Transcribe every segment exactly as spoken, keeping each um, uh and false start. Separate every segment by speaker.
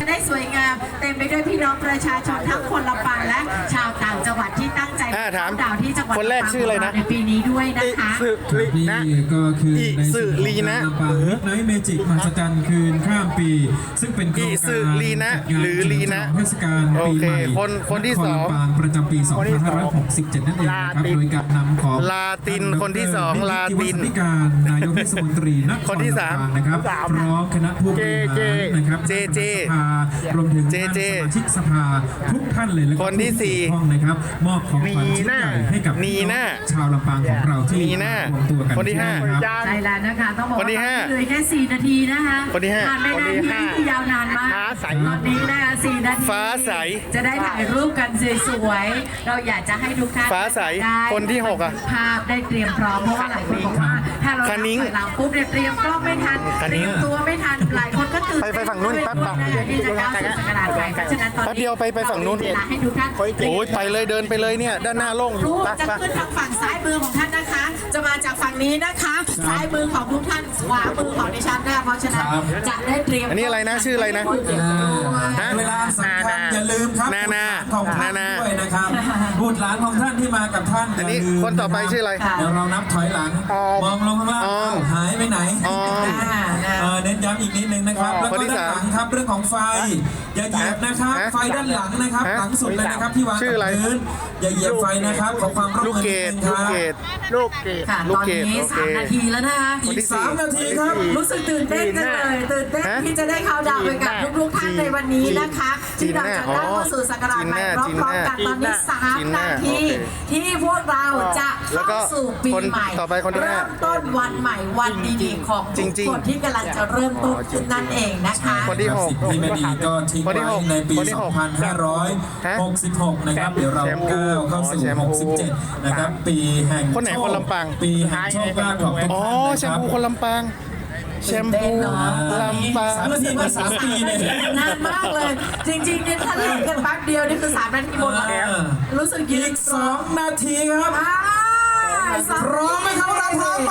Speaker 1: ได้สวยงามเต็มไปด้วยพี่น้องประชาชนทั้งคนลำปางและชาวต่างจังหวัดที่ตั้งใจ
Speaker 2: ถาม
Speaker 1: ดาวที่จังหวัด
Speaker 2: คนแรกชื่ออะไรนะ
Speaker 1: ในปีนี้ด้วยนะคะ
Speaker 3: นี่ก็คือใน
Speaker 2: สื่อลีนะ
Speaker 3: ลำปางมิดไนท์เมจิกมหัศจรรย์คืนข้ามปี ซึ่งเป็นโครง
Speaker 2: อี
Speaker 3: การ
Speaker 2: สื่อลีนะ
Speaker 3: จัดงาน
Speaker 2: หรือลีนะ
Speaker 3: เทศกาลปีใหม่
Speaker 2: โอเคคนคนที่สอง
Speaker 3: ลำปางประจำปี สองพันห้าร้อยหกสิบเจ็ด นั่นเองนะครับโดยการนำของ
Speaker 2: ลาตินคนที่สองลาติน
Speaker 3: นิติวัฒการนายกเทศมนตรีนคร
Speaker 2: คนที่สาม
Speaker 3: ลำปางนะครับพร้อมคณะผู้บริหารนะครับ
Speaker 2: เจเจ
Speaker 3: สภารวมถึง
Speaker 2: เจเจ
Speaker 3: สมาชิกสภาทุกท่านเลยและก็
Speaker 2: คนที่สี่
Speaker 3: ผู้เกี่ยวข้องนะครับมอบของขวัญชิ้นใหญ่ให้กับ
Speaker 2: นีน่า
Speaker 3: ชาวลำปางของเราที่
Speaker 2: นีน่าร
Speaker 3: วมตัวกัน
Speaker 2: คนที่ห้า
Speaker 3: ครับ
Speaker 1: ใช่แล้วนะคะต้องบอก
Speaker 2: คนที่
Speaker 1: ว่า
Speaker 2: ห้า
Speaker 1: เหลือแค่สี่นาทีนะคะ
Speaker 2: คนที่ห้า
Speaker 1: ผ่านไป
Speaker 2: คน
Speaker 1: นา
Speaker 2: ที่
Speaker 1: ที
Speaker 2: ห้า
Speaker 1: ที่ยาวนานมาก
Speaker 2: ฟ้าใส
Speaker 1: ตอนนี้นะคะสี่นาที
Speaker 2: ฟ้าใส
Speaker 1: จะได้ถ่ายรูปกันสวยๆเราอยากจะให้ทุกท่าน
Speaker 2: ฟ้าใส
Speaker 1: ได้
Speaker 2: คนที่หกอะ
Speaker 1: ภาพได้เตรียมพร้อมเพราะว่าหลายคนบอกว่าถ้าเรา
Speaker 2: คณิ้ง
Speaker 1: ถอยหลังปุ๊บเนี่ยเตรียมกล้องไม่ทัน
Speaker 2: ค
Speaker 1: เต
Speaker 2: ณิ้
Speaker 1: รี
Speaker 2: ง
Speaker 1: ยมตัวไม่ทันหลายคนก็ตื่น
Speaker 2: ไปไปฝั่งนู้นแป๊บ
Speaker 1: เต้นด้วยที่จะก้าวสู่ศักราชใหม่เพราะฉะนั้นตอนนี้
Speaker 2: แป๊บเดียวไปไปฝั่งนู้น
Speaker 1: เรามีเวลาให้ทุกท่าน
Speaker 2: โอ้ยไปเลยเดินไปเลยเนี่ยด้านหน้าโล่งอ
Speaker 1: รู
Speaker 2: ยู่
Speaker 1: ป
Speaker 2: ไป
Speaker 1: จะ
Speaker 2: ไป
Speaker 1: ขึ้นทางฝั่งซ้ายมือของท่านนะคะ จะมาจากฝั่งนี้นะคะ ซ้ายมือของทุกท่านขวามือของดิฉันนะคะเพราะฉะนั้นจะได้เตรียม
Speaker 2: อันนี้อะไรนะชื่ออะไรนะ ฮะ
Speaker 3: เวลาสำคัญอย่าลืมครับ
Speaker 2: นานา
Speaker 3: บุตรหลานของท่าน
Speaker 2: นานา
Speaker 3: ด้วยนะครับบุตรหลานของท่านที่มากับท่าน
Speaker 2: อันนี้
Speaker 3: ย่าลืม
Speaker 2: คนต่อไปชื่ออะไร
Speaker 3: เดี๋ยวเรานับถอยหลัง
Speaker 2: ออม
Speaker 3: มองลงข้างล่าง
Speaker 2: ออม
Speaker 3: หายไปไหน
Speaker 2: ออม
Speaker 3: เออเน้นย้ำอีกนิดนึงนะครับ แล้ว
Speaker 2: คน
Speaker 3: ก็
Speaker 2: ที่
Speaker 3: ด้าน
Speaker 2: สาม
Speaker 3: หลังครับเรื่องของไฟ อย่าเหยียบนะครับ
Speaker 2: ฮะ
Speaker 3: ไฟด้านหลังนะครับ
Speaker 2: ฮะ
Speaker 3: หลังสุดเลยนะครับที่วาง
Speaker 2: ชื่
Speaker 3: กั
Speaker 2: ออะไร
Speaker 3: บพื้นอย่าเหยียบไฟนะครับขอความร่วม
Speaker 2: ลูก
Speaker 3: มือ
Speaker 2: เก
Speaker 3: นิ
Speaker 2: ด
Speaker 3: ดนึงค
Speaker 2: ลูก
Speaker 3: รับ
Speaker 2: เกดลูกเกด
Speaker 1: ค่ะ
Speaker 2: ลู
Speaker 1: ต
Speaker 2: ก
Speaker 1: อน
Speaker 2: เกด
Speaker 1: นี้
Speaker 2: โอเค
Speaker 1: สามนาทีแล้วนะคะ
Speaker 3: อีกสามนาทีครับ
Speaker 1: รู้สึกตื่นเต้นจังเลยตื่นเต้น
Speaker 2: ฮะ
Speaker 1: ที่จะได้เข้าดาวน์ไปกับทุกๆท่านในวันนี้นะคะ
Speaker 2: จีน
Speaker 1: ที่เราจะได้เข้าสู่ศักราชใหม่พ
Speaker 2: จีน
Speaker 1: ร้อม
Speaker 2: แน่
Speaker 1: ๆกันตอนนี้สาม
Speaker 2: จีนแน่
Speaker 1: นาที
Speaker 2: โอเค
Speaker 1: ที่พวกเราจะ
Speaker 2: แล้วก็
Speaker 1: เข้าสู่ปี
Speaker 2: คน
Speaker 1: ใหม่
Speaker 2: ต่อไปคนที่ห้า
Speaker 1: เริ่มต้นวันใหม่วันดีๆของ
Speaker 2: จ
Speaker 1: ทุก
Speaker 2: ริงๆ
Speaker 1: คนที่กำลังจะเริ่มต้นขึ้นนั่นเองนะคะ
Speaker 2: คนที่หก
Speaker 3: สิ่งที่ไม่ดีก็ทิ้ง
Speaker 2: คน
Speaker 3: ไว้
Speaker 2: ที่หก
Speaker 3: ในปี
Speaker 2: คนที่หก
Speaker 3: สองพันห้าร้อยหกสิบหก นะครับ เดี๋ยวเรา
Speaker 2: แชมพู
Speaker 3: ก้าวเข้าสู่
Speaker 2: อ๋อแชมพู
Speaker 3: หกสิบเจ็ด นะครับ ปีแห่ง
Speaker 2: คนไหน
Speaker 3: โช
Speaker 2: คนลำปาง
Speaker 3: ปีแห่งโชคลาภของทุก
Speaker 2: อ๋อ
Speaker 3: ท่านนะ
Speaker 2: แช
Speaker 3: ค
Speaker 2: ม
Speaker 3: รับ
Speaker 2: พูคนลำปางแชมพูลำปาง
Speaker 3: สามนาทีมาสามปีเนี่ย
Speaker 1: นานมากเลย จริงๆเนี่ยถ้าเล่นกันแป๊บเดียวนี่คือสามนาทีหมดแล้ว รู้สึกยื
Speaker 3: อี
Speaker 1: น
Speaker 3: กสองนาทีครับ
Speaker 1: อ่าสาม
Speaker 3: พร้อมไหมครับเราพร้อมไหม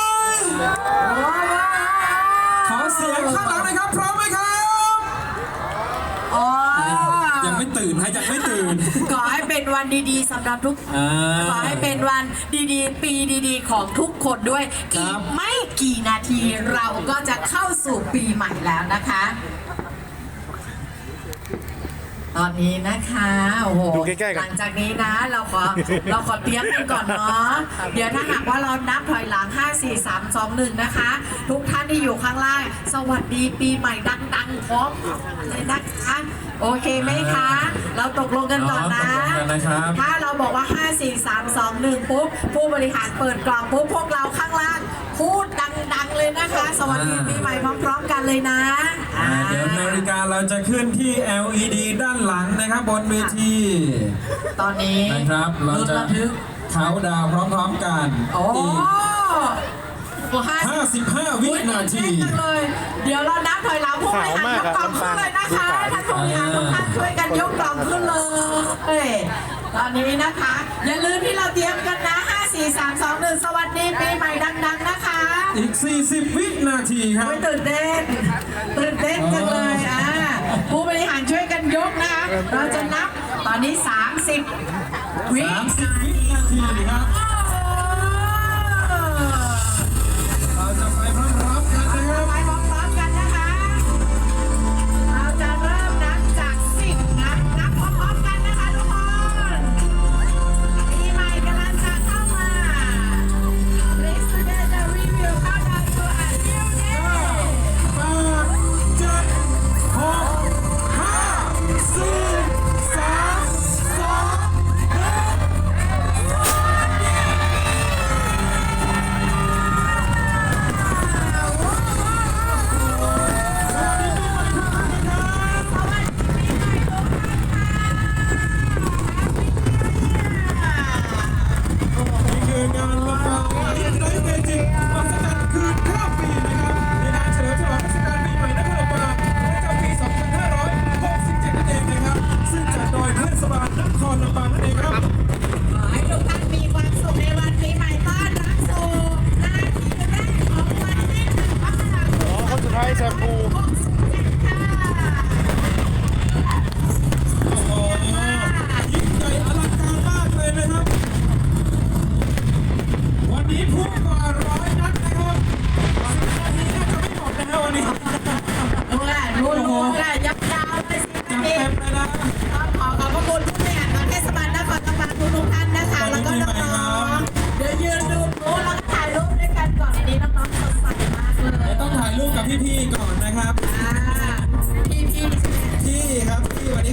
Speaker 3: ขอเสียงข้างหลังหน่อยครับ พร้อมไหมครับ
Speaker 1: อ๋อ
Speaker 3: ยังไม่ตื่นฮะยังไม่ตื่น
Speaker 1: ขอให้เป็นวันดีๆสำหรับทุก
Speaker 3: อ่า
Speaker 1: ขอให้เป็นวันดีๆ ปีดีๆ ของทุกคนด้วย
Speaker 3: ครั
Speaker 1: อี
Speaker 3: บ
Speaker 1: กไม่กี่นาทีเราก็จะเข้าสู่ปีใหม่แล้วนะคะ ตอนนี้นะคะโอ้โห
Speaker 2: ดูใกล้ๆกัน
Speaker 1: หลังจากนี้นะเราขอเราขอเตรียมกันก่อนเนาะเดี๋ยวถ้าหากว่าเรานับถอยหลังห้า สี่ สาม สอง หนึ่งนะคะ ทุกท่านที่อยู่ข้างล่าง สวัสดีปีใหม่ดังๆพร้อมเลยนะคะโอเคไหมคะ เราตกลงกันก่อนนะ
Speaker 3: อ๋อตกลงกันนะครับ
Speaker 1: ถ้าเราบอกว่าห้า สี่ สาม สอง หนึ่งปุ๊บผู้บริหารเปิดกล่องปุ๊บพวกเราข้างล่างพูดดังๆเลยนะคะ สวัสดีปีใหม่พร้อมๆกันเลยนะ
Speaker 3: อ่าเดี๋ยวนาฬิกาเราจะขึ้นที่ แอล อี ดี ด้านหลังนะครับบนเวที
Speaker 1: ตอนนี้
Speaker 3: นะครับเรา
Speaker 1: ลุ้น
Speaker 3: จะ
Speaker 1: ระทึก
Speaker 3: เขาดาวน์พร้อมๆกัน
Speaker 1: โอ้
Speaker 3: อีก
Speaker 1: โอ้ห้า
Speaker 3: ห้าสิบห้าวินาที
Speaker 1: ตื่นเต้นจังเลย เดี๋ยวเรานับถอยหลังผู้บริหารยกกล่องขึ้นเลยนะคะท่านผู้บริหารทุกท่านช่วยกันยกกล่องขึ้นเลยตอนนี้นะคะ อย่าลืมที่เราเตรียมกันนะห้า สี่ สาม สอง หนึ่งสวัสดีปีใหม่ดังๆนะคะ
Speaker 3: อีก สี่สิบ วินาทีครับ
Speaker 1: โอ้ยตื่นเต้นตื่นเต้นจังเลยอ่ะผู้บริหารช่วยกันยกนะคะเราจะนับตอนนี้ สามสิบ วิ
Speaker 3: สามสิบ วินาทีครับ เราจะไปพร้อมๆกันนะครับ
Speaker 1: ไปพร้อมๆกันนะคะ เราจะเริ่มนับจากสิบนะนับพร้อมๆกันนะคะทุกคนปีใหม่กำลังจะเข้ามา Let's together we will count down to a new day
Speaker 3: แปด เจ็ด หก ห้า สี่ สาม สอง หนึ่ง สวัสดี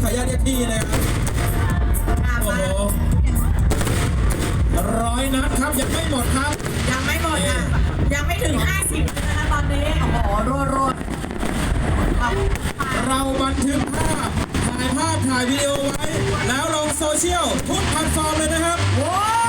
Speaker 3: ขออนุญาตเรียกพี่นะครับ
Speaker 1: อ่ะ
Speaker 3: โอ้
Speaker 1: มา
Speaker 3: โหร้อยนัดครับยังไม่หมดครับ
Speaker 1: ยังไม่หมดอ่ะยังไม่ถึงห้าสิบเลยนะคะตอนนี้โอ้โหรัวรัวๆเอาไป
Speaker 3: เราบันทึกภาพถ่ายภาพถ่ายวิดีโอไว้ แล้วลงโซเชียลทุกแพลตฟอร์มเลยนะครับ
Speaker 1: โว้